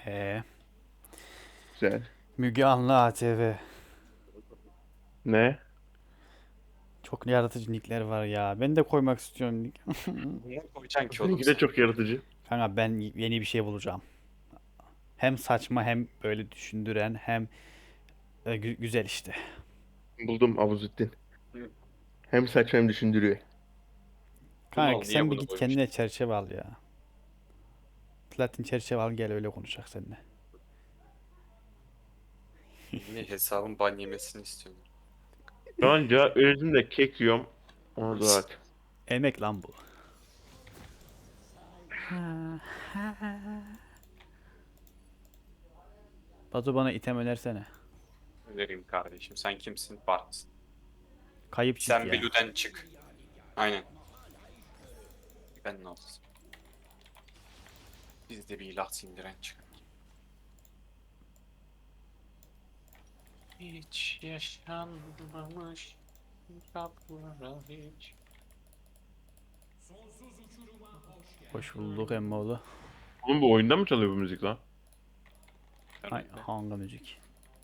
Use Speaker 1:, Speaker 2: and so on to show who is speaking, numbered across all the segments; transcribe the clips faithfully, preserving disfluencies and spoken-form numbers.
Speaker 1: He.
Speaker 2: Güzel.
Speaker 1: Müge Anlı A T V.
Speaker 2: Ne?
Speaker 1: Çok yaratıcı nickler var ya. Ben de koymak istiyorum nick.
Speaker 3: Niye koyacaksın ki oğlum
Speaker 2: Seninki de
Speaker 3: sen?
Speaker 2: çok yaratıcı.
Speaker 1: Kanka ben yeni bir şey bulacağım. Hem saçma hem böyle düşündüren hem e, gü- güzel işte.
Speaker 2: Buldum Abuzettin.
Speaker 3: Hı.
Speaker 2: Hem saç hem düşündürüyor.
Speaker 3: Bu mal
Speaker 1: Kanka
Speaker 3: niye
Speaker 1: sen bir
Speaker 3: bunu
Speaker 1: git
Speaker 3: koymuş?
Speaker 1: kendine çerçeve al ya. Platin çerçeve al gel öyle konuşacak seninle.
Speaker 3: Niye hesabın ban yemesini istiyorsun?
Speaker 2: Şu an cevap verdim de kek yiyorum. Onu da at.
Speaker 1: Emek lan bu. Batu bana item önersene.
Speaker 3: Vereyim kardeşim. Sen kimsin? Bart'sın.
Speaker 1: Kayıp çift
Speaker 3: Sen
Speaker 1: ya.
Speaker 3: Blue'den çık. Aynen. Ben ne olsun? Biz de bir ilah sindiren çıkar. Hiç yaşanmamış kaplara hiç.
Speaker 1: Hoş bulduk emmoğlu.
Speaker 2: Oğlum bu oyunda mı çalıyor bu müzik lan?
Speaker 1: Hay, hangi müzik?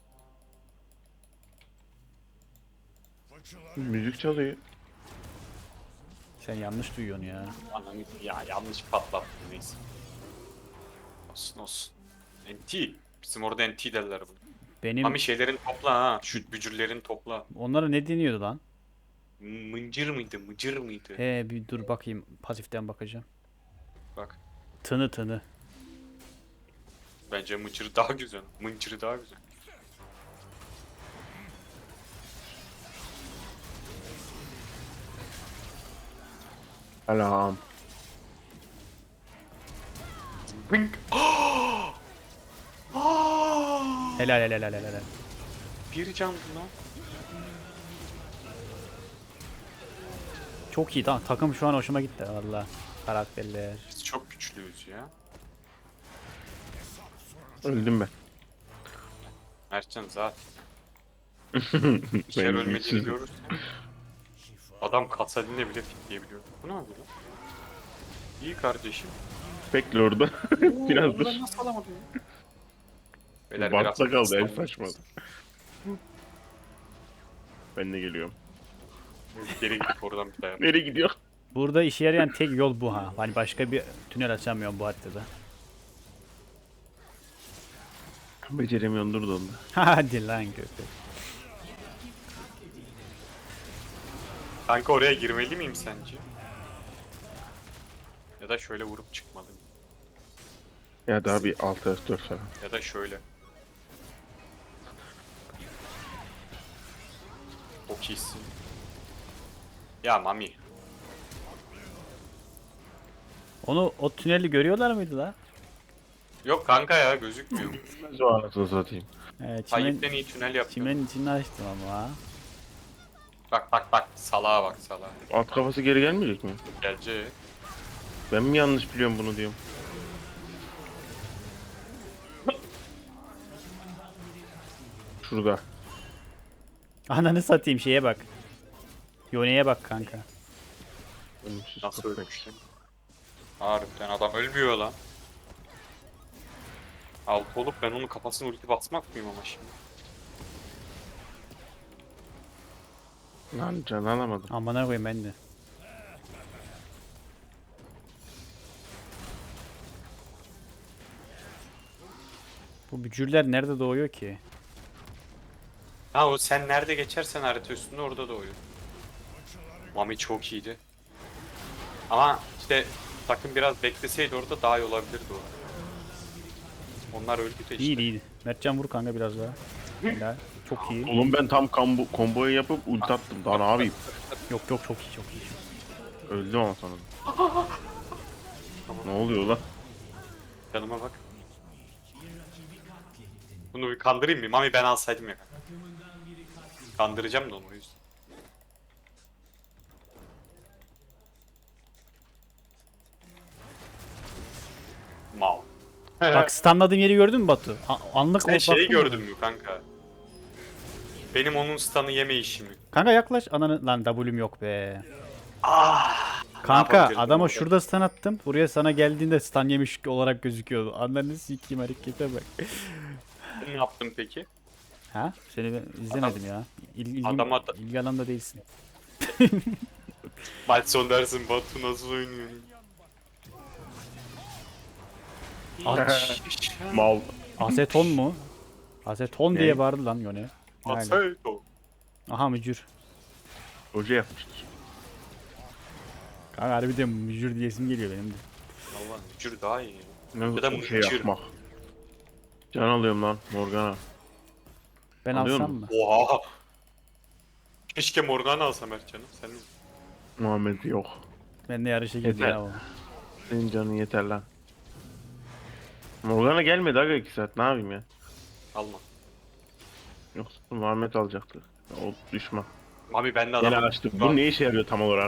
Speaker 2: Müzik çalıyor.
Speaker 1: Sen yanlış duyuyorsun ya.
Speaker 3: Ananı ya yanlış patlattım neyse. Olsun olsun. N T. Bizim orada N T derler bunu.
Speaker 1: Benim
Speaker 3: Mami şeylerin topla ha. Şu bücürlerin topla.
Speaker 1: onlara ne deniyordu lan?
Speaker 3: Mıncır mıydı? Mıcır mıydı?
Speaker 1: He bir dur bakayım pasiften bakacağım.
Speaker 3: Bak.
Speaker 1: Tını tını.
Speaker 3: Bence mıcır daha güzel. Mıncırı daha güzel.
Speaker 2: Alam.
Speaker 3: Bink.
Speaker 1: Helal helal helal helal.
Speaker 3: Bir canlı lan.
Speaker 1: Çok iyi tamam takım şu an hoşuma gitti valla. Karakterler.
Speaker 3: Biz çok güçlüyüz ya.
Speaker 2: Öldüm ben.
Speaker 3: Mertcan zaten.
Speaker 2: Ben
Speaker 3: İçer ölmediğini
Speaker 2: güçsüzüm.
Speaker 3: görürsen. Adam Katsalin'le bile fitleyebiliyor. Bu ne oldu lan? İyi kardeşim.
Speaker 2: Bekle orada. Biraz dur.
Speaker 3: Ben nasıl alamadım ya? Beyler
Speaker 2: Bart'ta
Speaker 3: biraz
Speaker 2: kaldı en
Speaker 3: İstanbul-
Speaker 2: saçma. Ben de geliyorum.
Speaker 3: Geri gidip oradan bir dayan.
Speaker 2: Nereye gidiyor?
Speaker 1: Burada işe yarayan tek yol bu ha. Hani başka bir tünel açamıyorum bu haritada.
Speaker 2: Beceremiyorum dur da onda.
Speaker 1: Hadi lan köpek.
Speaker 3: Kanka oraya girmeli miyim sence? Ya da şöyle vurup çıkmalı mıyım?
Speaker 2: Ya daha bir altı F dört falan.
Speaker 3: Ya da şöyle. Çok iyisin. Ya Mami.
Speaker 1: Onu o tüneli görüyorlar mıydı la?
Speaker 3: Yok kanka ya gözükmüyor.
Speaker 2: Nasıl o anasını satayım.
Speaker 1: Ee,
Speaker 3: Tayyip'ten
Speaker 1: çimen,
Speaker 3: iyi tünel yapıyor.
Speaker 1: çimenin içini açtım ama.
Speaker 3: Bak bak bak salağa bak salağa.
Speaker 2: Alt kafası geri gelmeyecek mi?
Speaker 3: Gelecek.
Speaker 2: Ben mi yanlış biliyorum bunu diyorum. Şurada.
Speaker 1: Ananı satayım şeye bak. Yone'ye bak kanka.
Speaker 2: Ölümsüz
Speaker 3: Nasıl
Speaker 2: köpek.
Speaker 3: ölmüş lan? Harbiden adam ölmüyor lan. Altı olup ben onun kafasına ulti basmak mıyım ama şimdi?
Speaker 2: Lan can alamadım.
Speaker 1: Amına koyayım ben de. Bu bücürler nerede doğuyor ki?
Speaker 3: Ha o sen nerede geçersen harita üstünde orada doğuyor. Mami çok iyiydi. Ama işte takım biraz bekleseydi orada daha iyi olabilirdi o. Onlar öldü de işte.
Speaker 1: İyiydi iyiydi. Mertcan vur kanka biraz daha. Helal. Çok iyi.
Speaker 2: Oğlum ben tam kombo, komboyu yapıp ulti attım. Daha ne yapayım?
Speaker 1: Yok yok çok iyi çok iyi.
Speaker 2: Öldüm ama sonra. Ne oluyor lan?
Speaker 3: Canıma bak. Bunu bir kandırayım mı? Mami ben alsaydım ya. Kandıracağım da onu o yüzden. Mal.
Speaker 1: Bak stunladığım yeri gördün mü Batu? A- anlık
Speaker 3: Sen
Speaker 1: o-
Speaker 3: şeyi
Speaker 1: baktın mı?
Speaker 3: gördün mü kanka? Benim onun stun'ı yeme işimi.
Speaker 1: Kanka yaklaş. Ananı lan W'm yok be. Kanka
Speaker 3: yapabilirim
Speaker 1: adama
Speaker 3: orada?
Speaker 1: şurada stun attım. Buraya sana geldiğinde stun yemiş olarak gözüküyordu. Ananı sikeyim harekete bak.
Speaker 3: Ne yaptın peki?
Speaker 1: Ha? Seni ben izlemedim ya. İl, ilgim,
Speaker 3: Adama da-
Speaker 1: ilgi alanında değilsin.
Speaker 3: Maç son dersin Batu nasıl oynuyor?
Speaker 1: Aç.
Speaker 2: Mal.
Speaker 1: Aseton mu? Aseton
Speaker 2: Ne?
Speaker 1: diye bağırdı lan Yone. Aynen.
Speaker 3: Aseto.
Speaker 1: Aha mücür.
Speaker 2: Hoca yapmıştır.
Speaker 1: Kanka harbiden mücür diyesim geliyor benim de.
Speaker 3: Allah mücür daha iyi.
Speaker 2: Ne
Speaker 3: Ya da
Speaker 2: bir şey
Speaker 3: mıcır.
Speaker 2: yapmak. Can alıyorum lan Morgana.
Speaker 1: Ben
Speaker 2: Alıyor
Speaker 1: alsam
Speaker 2: musun?
Speaker 1: mı?
Speaker 3: Oha. Keşke Morgana alsam Ercan'ım. Sen
Speaker 2: Muhammed yok.
Speaker 1: Ben de yarışa girdi
Speaker 2: Yeter.
Speaker 1: ya o.
Speaker 2: Senin canın yeter lan. Morgana gelmedi aga iki saat ne yapayım ya.
Speaker 3: alma.
Speaker 2: Yoksa Muhammed alacaktı. O düşman.
Speaker 3: Mami ben de
Speaker 2: Gene
Speaker 3: adamım.
Speaker 2: açtı. Bu ne işe yarıyor tam olarak?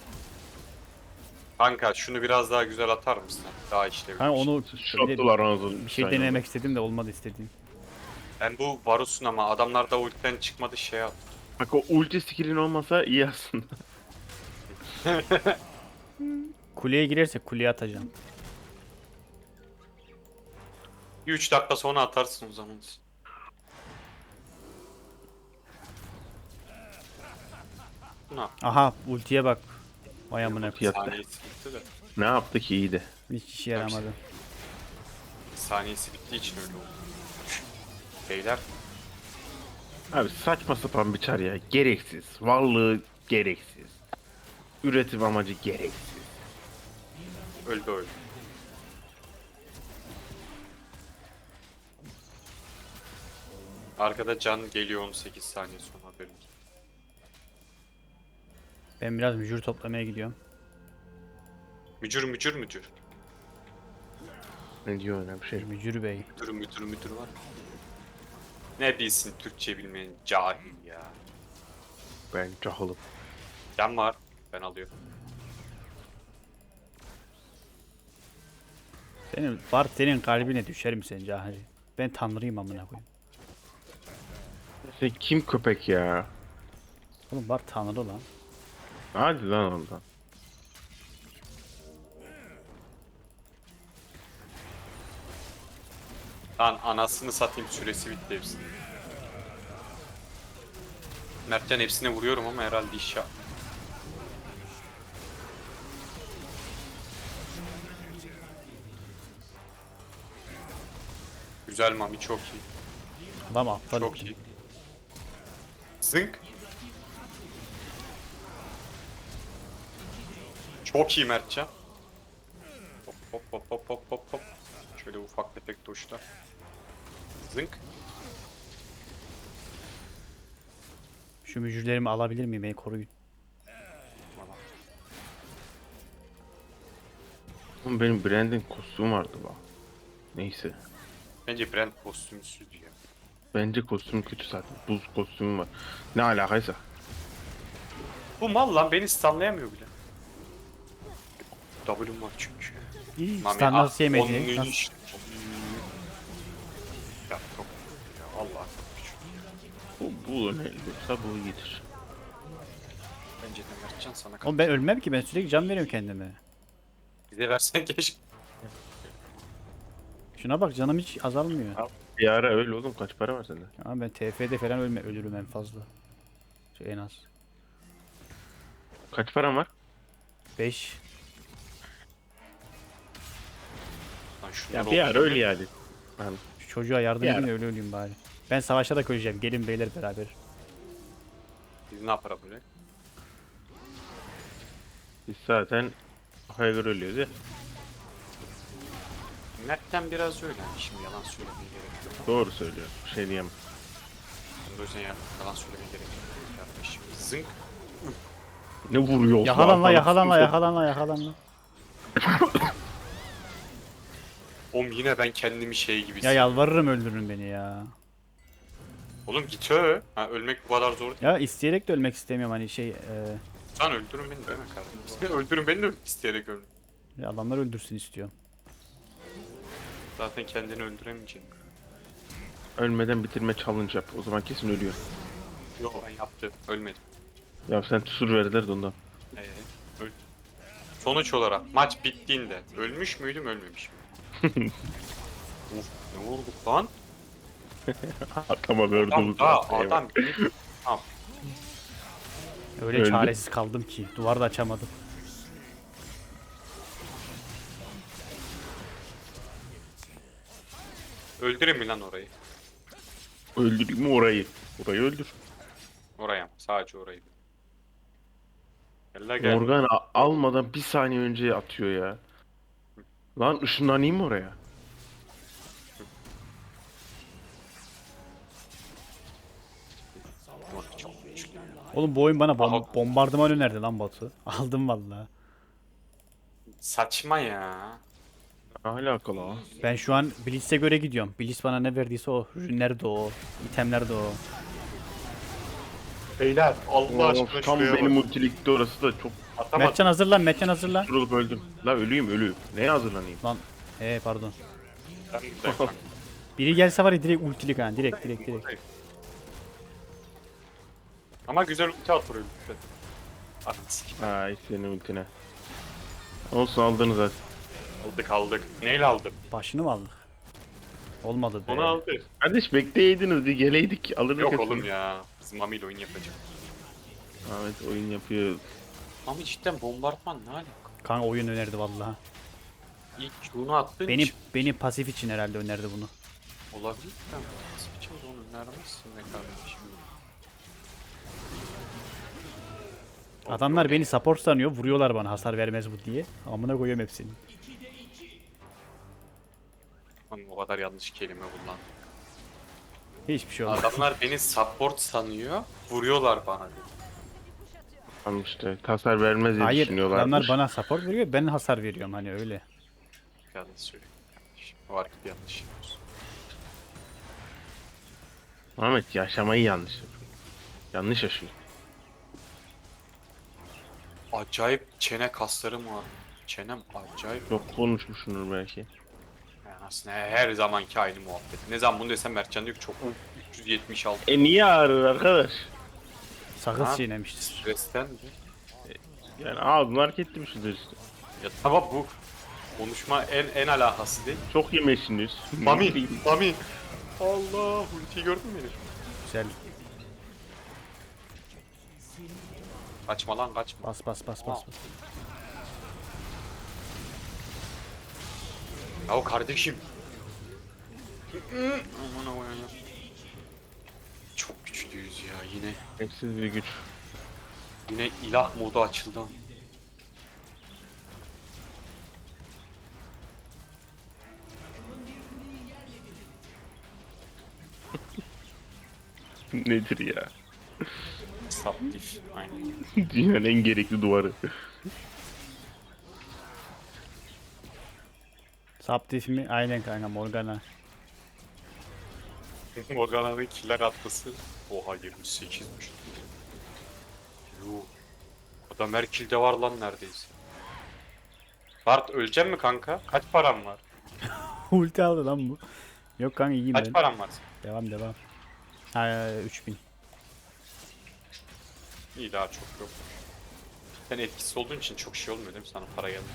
Speaker 3: Kanka şunu biraz daha güzel atar mısın? Daha işlevli.
Speaker 1: Kanka
Speaker 3: bir şey.
Speaker 1: onu
Speaker 2: Şottular onu.
Speaker 1: bir şey denemek istedim de olmadı istediğim.
Speaker 3: Ben bu Varus'un ama adamlar da ultiden çıkmadı şey at.
Speaker 2: Bak o ulti skill'in olmasa iyi aslında.
Speaker 1: Kuleye girersek kuleye atacağım.
Speaker 3: üç dakika sonra atarsın o zaman. Ne yap?
Speaker 1: Aha ultiye bak. Vay amına
Speaker 2: Ultiye
Speaker 1: koyayım.
Speaker 2: Yattı.
Speaker 3: Saniyesi bitti de.
Speaker 2: Ne yaptı ki iyiydi.
Speaker 1: Hiç işe yaramadı.
Speaker 3: Saniyesi bittiği için öyle oldu. Beyler
Speaker 2: Abi saçma sapan bir çar ya. Gereksiz. Varlığı gereksiz. Üretim amacı gereksiz.
Speaker 3: öldü öldü. Arkada can geliyor on sekiz saniye sonra haberin.
Speaker 1: Ben biraz mücür toplamaya gidiyorum.
Speaker 3: Mücür mücür mücür.
Speaker 2: Ne diyor öyle bir şey.
Speaker 1: Mücür bey.
Speaker 3: Müdür müdür müdür var. Ne bilsin Türkçe bilmeyen cahil ya.
Speaker 2: Ben cahılım.
Speaker 3: Can var. Ben alıyorum.
Speaker 1: Senin var senin kalbine düşer mi sen cahil? Ben tanrıyım amına koyayım.
Speaker 2: Sen kim köpek ya?
Speaker 1: Oğlum var tanrı lan.
Speaker 2: Hadi lan ondan.
Speaker 3: Lan anasını satayım süresi bitti hepsinin. Mertcan hepsine vuruyorum ama herhalde iş yap. Güzel Mami çok iyi.
Speaker 1: Adam aptal.
Speaker 3: Çok iyi. Zınk. Çok iyi Mertcan. Hop hop hop hop hop hop hop. Şöyle ufak tefek tuşlar. Zınk.
Speaker 1: Şu mücürlerimi alabilir miyim? Beni koruyun.
Speaker 3: Valla.
Speaker 2: Oğlum benim Brand'in kostümü vardı bak. Neyse.
Speaker 3: Bence Brand kostümsüz ya.
Speaker 2: Bence kostüm kötü zaten. Buz kostümü var. Ne alakaysa.
Speaker 3: Bu mal lan beni stunlayamıyor bile. W'm var çünkü.
Speaker 1: İyi.
Speaker 3: Mami,
Speaker 1: Stan nasıl
Speaker 3: ah,
Speaker 1: yemedi?
Speaker 3: onun
Speaker 1: Nasıl?
Speaker 3: iş- Ya çok ya Allah küçük.
Speaker 2: Bu, bu ne olursa bu iyidir.
Speaker 3: Bence de Mertcan sana
Speaker 1: Oğlum ben ölmem ki ben sürekli can veriyorum kendime.
Speaker 3: bize versen keşke.
Speaker 1: Şuna bak canım hiç azalmıyor.
Speaker 2: Bir ara öyle oğlum kaç para var sende?
Speaker 1: Ama ben T F'de falan ölme, ölürüm en fazla. Şey en az.
Speaker 2: Kaç param var?
Speaker 1: beş.
Speaker 3: Lan şunlar
Speaker 2: Ya bir ara
Speaker 3: oldu.
Speaker 2: öyle yani. Yani
Speaker 1: Şu çocuğa yardım
Speaker 2: Bir
Speaker 1: edin
Speaker 2: ara.
Speaker 1: de öyle öleyim bari. Ben savaşa da koyacağım. Gelin beyler beraber.
Speaker 3: Biz ne yapar böyle?
Speaker 2: biz zaten kafaya göre ölüyoruz ya.
Speaker 3: Mert'ten biraz öyle. Yani şimdi yalan söylemeye gerek yok.
Speaker 2: Doğru söylüyor. Bir şey diyemem.
Speaker 3: Ben de o yüzden ya- yalan söylemeye gerek yok. Kardeşim zınk.
Speaker 2: Ne vuruyor?
Speaker 1: Yakalan la
Speaker 2: Lan,
Speaker 1: yakalan la
Speaker 2: kimse-
Speaker 1: yakalan la yakalan la.
Speaker 3: Oğlum yine ben kendimi şey gibi
Speaker 1: Ya
Speaker 3: hissediyorum.
Speaker 1: yalvarırım öldürün beni ya.
Speaker 3: Oğlum git ö. Ha, ölmek bu kadar zor değil.
Speaker 1: Ya isteyerek de ölmek istemiyorum hani şey e,
Speaker 3: Lan öldürün beni deme kardeşim. öldürün beni de isteyerek öldür.
Speaker 1: ya adamlar öldürsün istiyorum.
Speaker 3: Zaten kendini öldüremeyeceksin.
Speaker 2: Ölmeden bitirme challenge yap. O zaman kesin ölüyor.
Speaker 3: Yok ben yaptım. Ölmedim.
Speaker 2: Ya sen sur verdiler de ondan.
Speaker 3: Ee, öl. Sonuç olarak maç bittiğinde ölmüş müydüm ölmemiş miydim? Uf, ne vurduk lan?
Speaker 2: Atama
Speaker 3: Adam
Speaker 2: gördüğümüz
Speaker 3: daha
Speaker 2: var.
Speaker 3: adam beni... Tamam.
Speaker 1: Öyle
Speaker 2: Öldü.
Speaker 1: çaresiz kaldım ki. Duvar da açamadım.
Speaker 3: Öldüreyim mi lan orayı?
Speaker 2: Öldüreyim mi orayı? Orayı öldür.
Speaker 3: Oraya mı? Sadece orayı. Gel la gel.
Speaker 2: Morgan a- almadan bir saniye önce atıyor ya. Lan ışınlanayım mı oraya?
Speaker 3: Morty çok güçlü.
Speaker 1: Oğlum bu oyun bana bom
Speaker 3: Aha.
Speaker 1: bombardıman önerdi lan Batu. Aldım vallahi.
Speaker 3: Saçma ya.
Speaker 2: Ne alakalı ha?
Speaker 1: Ben şu an Blitz'e göre gidiyorum. Blitz bana ne verdiyse o. Ürünler de o. itemler de o.
Speaker 3: Beyler Allah
Speaker 2: Of, tam benim ultilikte orası da çok
Speaker 3: Atamadım.
Speaker 1: Mertcan hazırlan, Mertcan hazırlan.
Speaker 2: durulup öldüm. La ölüyüm ölüyüm. Neye hazırlanayım?
Speaker 1: Lan ee pardon.
Speaker 3: Ben de kanka.
Speaker 1: Biri gelse var ya direkt ultilik ha. Direkt direkt direkt.
Speaker 3: Ama güzel ulti atıyor lütfen. At sikim.
Speaker 2: Ay senin ultine. Olsun aldınız hadi.
Speaker 3: Aldık aldık. Neyle aldık?
Speaker 1: Başını mı aldık? Olmadı be.
Speaker 3: Onu aldık.
Speaker 2: Kardeş bekleyeydiniz bir geleydik alırdık.
Speaker 3: Yok
Speaker 2: hepsini.
Speaker 3: oğlum ya. Biz Mami ile oyun yapacağız.
Speaker 2: Ahmet oyun yapıyor.
Speaker 3: Mami cidden bombardıman ne alaka?
Speaker 1: Kanka oyun önerdi vallahi.
Speaker 3: İlk bunu attığın
Speaker 1: Benim
Speaker 3: için
Speaker 1: benim pasif için herhalde önerdi bunu.
Speaker 3: olabilir mi? Nasıl bir şey onu önermezsin be kardeşim.
Speaker 1: Adamlar beni support sanıyor. Vuruyorlar bana hasar vermez bu diye. Amına koyuyorum hepsini.
Speaker 3: Lan o kadar yanlış kelime kullan.
Speaker 1: Hiçbir şey olmaz.
Speaker 3: Adamlar beni support sanıyor. Vuruyorlar bana dedi.
Speaker 2: Tamam işte tasar vermez diye
Speaker 1: Hayır
Speaker 2: düşünüyorlarmış.
Speaker 1: adamlar bana support veriyor. Ben hasar veriyorum hani öyle.
Speaker 3: Yanlış söylüyorum kardeşim. O hareket yanlış yapıyorsun.
Speaker 2: Ahmet yaşamayı yanlış yapıyor. Yanlış yaşıyor.
Speaker 3: Acayip çene kaslarım var. Çenem acayip.
Speaker 2: Çok konuşmuşsundur belki.
Speaker 3: Yani aslında her zamanki aynı muhabbet. Ne zaman bunu desem Mertcan diyor ki çok üç yüz yetmiş altı
Speaker 2: E niye ağrır arkadaş?
Speaker 1: Sakız
Speaker 3: Ha?
Speaker 1: çiğnemiştir.
Speaker 3: stresten mi?
Speaker 2: Yani ağzını hareket etmişsindir işte.
Speaker 3: Ya tamam bu konuşma en en alakası değil.
Speaker 2: Çok yemişsiniz.
Speaker 3: Mami, Mami. Allah, ultiyi gördün mü beni?
Speaker 1: Güzel.
Speaker 3: Kaçma lan kaçma.
Speaker 1: Bas bas bas bas. bas.
Speaker 3: Ya o kardeşim. Aman aman. Çok güçlüyüz ya yine.
Speaker 2: Eksiz bir güç.
Speaker 3: Yine ilah modu açıldı.
Speaker 2: Nedir ya?
Speaker 3: Saptif. Aynen.
Speaker 2: Dünyanın en gerekli duvarı.
Speaker 1: Saptif mi? Aynen kanka Morgana.
Speaker 3: Morgana'nın killer atması. Oha yirmi sekizmiş. Yuh. Adam her kill'de var lan neredeyse. Bart ölecek mi kanka? Kaç param var?
Speaker 1: Ulti aldı lan bu. Yok kanka iyiyim
Speaker 3: Kaç
Speaker 1: ben.
Speaker 3: param var?
Speaker 1: Devam devam. Ha üç bin.
Speaker 3: İyi daha çok yok. Sen etkisiz olduğun için çok şey olmuyor değil mi? Sana para geldi.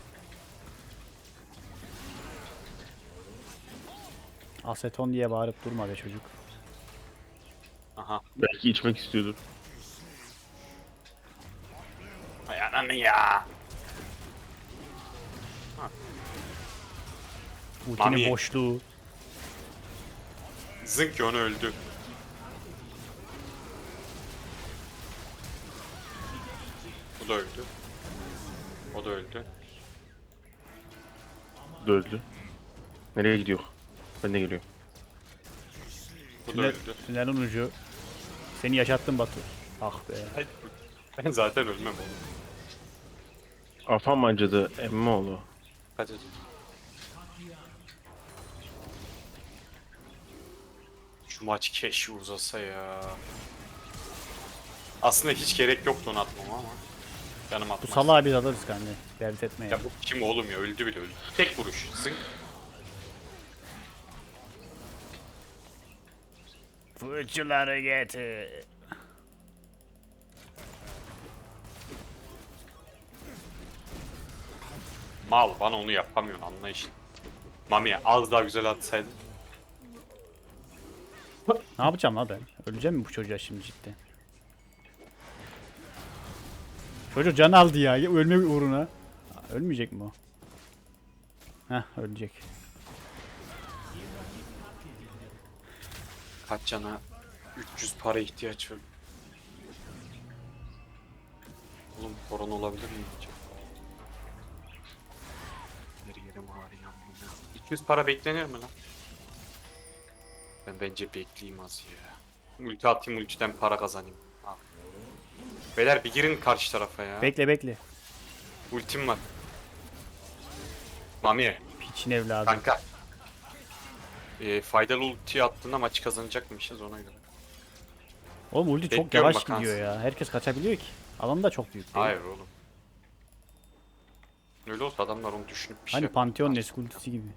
Speaker 1: Aseton diye bağırıp durma be çocuk.
Speaker 3: Aha.
Speaker 2: Belki içmek istiyordur.
Speaker 3: Ay ananı ya.
Speaker 1: Ultinin
Speaker 3: Mami.
Speaker 1: boşluğu.
Speaker 3: Zınk onu öldü. Bu da öldü. O da öldü.
Speaker 2: Öldü. Nereye gidiyor? Ben de geliyorum.
Speaker 3: Bu da
Speaker 1: Tünel,
Speaker 3: öldü.
Speaker 1: tünelin ucu. Seni yaşattım Batu. Ah be.
Speaker 3: Ay, ben zaten ölmem oğlum.
Speaker 2: Afam acıdı emmoğlu.
Speaker 3: Kaç acı. Şu maç keşke uzasa ya. Aslında hiç gerek yoktu onu atmam ama. Canım
Speaker 1: Bu
Speaker 3: atmaz.
Speaker 1: salağı biz alırız kanka. Dert etme ya.
Speaker 3: Ya bu kim oğlum ya öldü bile öldü. Tek vuruş. Zınk.
Speaker 1: Fırçaları getir.
Speaker 3: Mal bana onu yapamıyorsun anlayışın. Mami'ye az daha güzel atsaydın.
Speaker 1: Ne yapacağım lan ben? Öleceğim mi bu çocuğa şimdi cidden? Çocuk can aldı ya. Ölme uğruna. Ölmeyecek mi o? Heh ölecek.
Speaker 3: Kaç cana üç yüz para ihtiyaç var. Oğlum korona olabilir mi acaba? Her yerim ağrıyor. amına. iki yüz para beklenir mi lan? Ben bence bekleyeyim az ya. Ulti atayım ultiden para kazanayım. Al. Beyler bir girin karşı tarafa ya.
Speaker 1: Bekle bekle.
Speaker 3: Ultim var. Mami
Speaker 1: Piçin evladı.
Speaker 3: kanka. Ee, faydalı ulti attığında maçı kazanacakmışız ona göre.
Speaker 1: Oğlum ulti çok
Speaker 3: Bekliyorum
Speaker 1: yavaş
Speaker 3: bak
Speaker 1: gidiyor ya. Herkes kaçabiliyor ki. Alan da çok büyük değil.
Speaker 3: Hayır oğlum. Öyle olsa adamlar onu düşünüp bir şey
Speaker 1: Hani
Speaker 3: yapar.
Speaker 1: Pantheon eski ultisi gibi.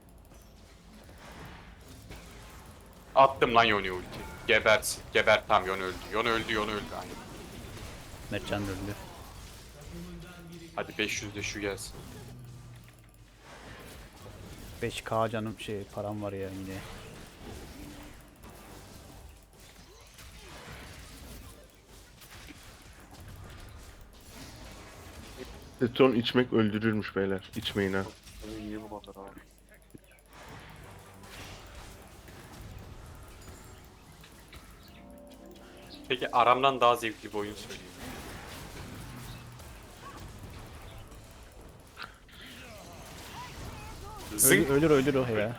Speaker 3: Attım lan Yone ulti. Gebersin. Geber tam Yone öldü. Yone öldü Yone öldü. Aynen.
Speaker 1: Mertcan da öldü.
Speaker 3: Hadi beş yüz de şu gelsin.
Speaker 1: beş K canım şey param var ya yine.
Speaker 2: Teton içmek öldürürmüş beyler. İçmeyin ha.
Speaker 3: Niye bu kadar abi? Peki aramdan daha zevkli bir oyun söyleyeyim.
Speaker 1: Ölür
Speaker 3: Zing.
Speaker 1: ölür, ölür o ya.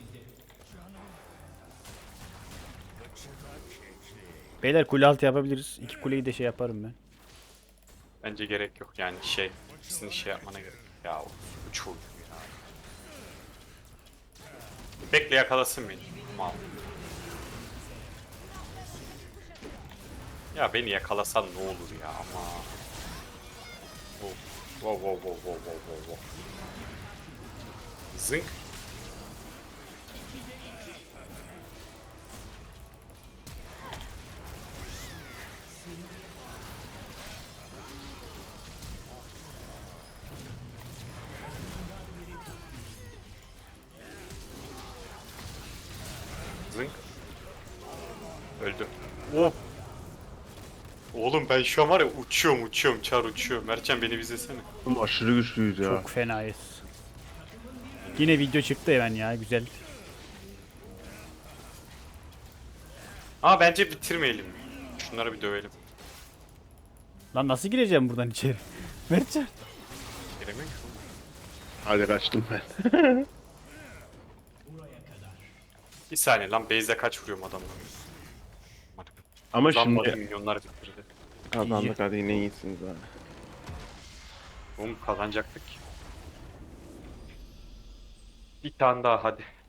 Speaker 1: Beyler kule altı yapabiliriz. İki kuleyi de şey yaparım ben.
Speaker 3: Bence gerek yok yani şey. Sizin şey yapmana gerek yok. Ya o uç oyun ya. Bekle yakalasın beni. Mal. Ya beni yakalasan ne olur ya ama. Wow wow wow wow wow wow wow. wow. Zınk. Zınk. Öldü. Oh. Oğlum ben şu an var ya uçuyorum uçuyorum çar uçuyorum. Mertcan beni izlesene.
Speaker 2: Oğlum aşırı güçlüyüz ya.
Speaker 1: Çok fenayız. Yine video çıktı hemen ya güzel.
Speaker 3: Ama bence bitirmeyelim. Şunları bir dövelim.
Speaker 1: Lan nasıl gireceğim buradan içeri? Mertcan.
Speaker 3: Giremiyor ki.
Speaker 2: Hadi kaçtım ben.
Speaker 3: Bir saniye lan base'de kaç vuruyorum adamlara.
Speaker 2: Ama
Speaker 3: Zammadı
Speaker 2: şimdi
Speaker 3: milyonlar bitirdi.
Speaker 2: kazandık hadi yine iyisiniz ha.
Speaker 3: Oğlum kazanacaktık ki. Bir tane daha hadi.